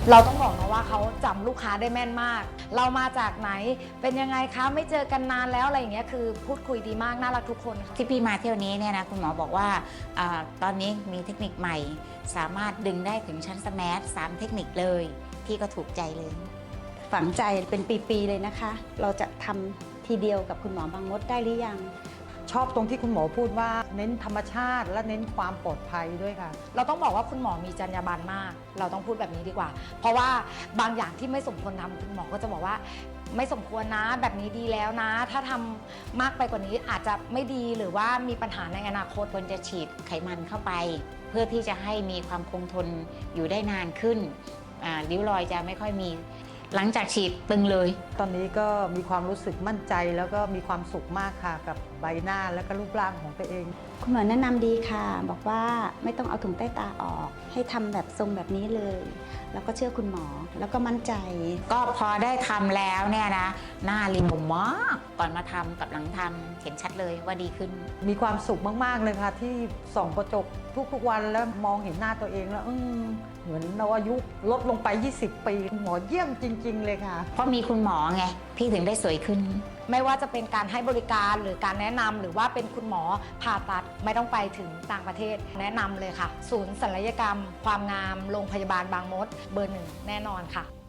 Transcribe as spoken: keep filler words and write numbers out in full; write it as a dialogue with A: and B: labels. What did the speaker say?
A: เราต้องบอกนะว่าเขาจำลูกค้าได้แม่นมากเรามาจากไหนเป็นยังไงคะไม่เจอกันนานแล้วอะไรอย่างเงี้ยคือพูดคุยดีมากน่ารักทุกคนค่ะ
B: ที่พี่มาเที่ยวนี้เนี่ยนะคุณหมอบอกว่าอาตอนนี้มีเทคนิคใหม่สามารถดึงได้ถึงชั้นสแมาร์ทสามเทคนิคเลยพี่ก็ถูกใจเลย
C: ฝังใจเป็นปีๆเลยนะคะ เราจะทำทีเดียวกับคุณหมอบางมดได้หรือยัง
D: ชอบตรงที่คุณหมอพูดว่าเน้นธรรมชาติและเน้นความปลอดภัยด้วยค่ะ
A: เราต้องบอกว่าคุณหมอมีจรรยาบรรณมากเราต้องพูดแบบนี้ดีกว่าเพราะว่าบางอย่างที่ไม่สมควรทำคุณหมอก็จะบอกว่าไม่สมควรนะแบบนี้ดีแล้วนะถ้าทำมากไปกว่านี้อาจจะไม่ดีหรือว่ามีปัญหาในอนาคต
B: ควรจะฉีดไขมันเข้าไป เพื่อที่จะให้มีความคงทนอยู่ได้นานขึ้นริ้วรอยจะไม่ค่อยมีหลังจากฉีดตึงเลย
D: ตอนนี้ก็มีความรู้สึกมั่นใจแล้วก็มีความสุขมากค่ะกับใบหน้าและก็รูปร่างของตัวเอง
C: คุณหมอแนะนำดีค่ะบอกว่าไม่ต้องเอาถุงใต้ตาออกให้ทำแบบทรงแบบนี้เลยแล้วก็เชื่อคุณหมอแล้วก็มั่นใจ
B: ก็พอได้ทำแล้วเนี่ยนะหน้าเรียวมากก่อนมาทำกับหลังทำเห็นชัดเลยว่าดีขึ้น
D: มีความสุขมากๆเลยค่ะที่ส่องกระจกทุกๆวันแล้วมองเห็นหน้าตัวเองแล้วอืมเหมือนเราอายุลดลงไปยี่สิบปีหมอเยี่ยมจริงๆเลยค่ะ
B: เพราะมีคุณหมอไงพี่ถึงได้สวยขึ้น
A: ไม่ว่าจะเป็นการให้บริการหรือการแนะนำหรือว่าเป็นคุณหมอผ่าตัดไม่ต้องไปถึงต่างประเทศแนะนำเลยค่ะศูนย์ศัลยกรรมความงามโรงพยาบาลบางมดเบอร์หนึ่งแน่นอนค่ะ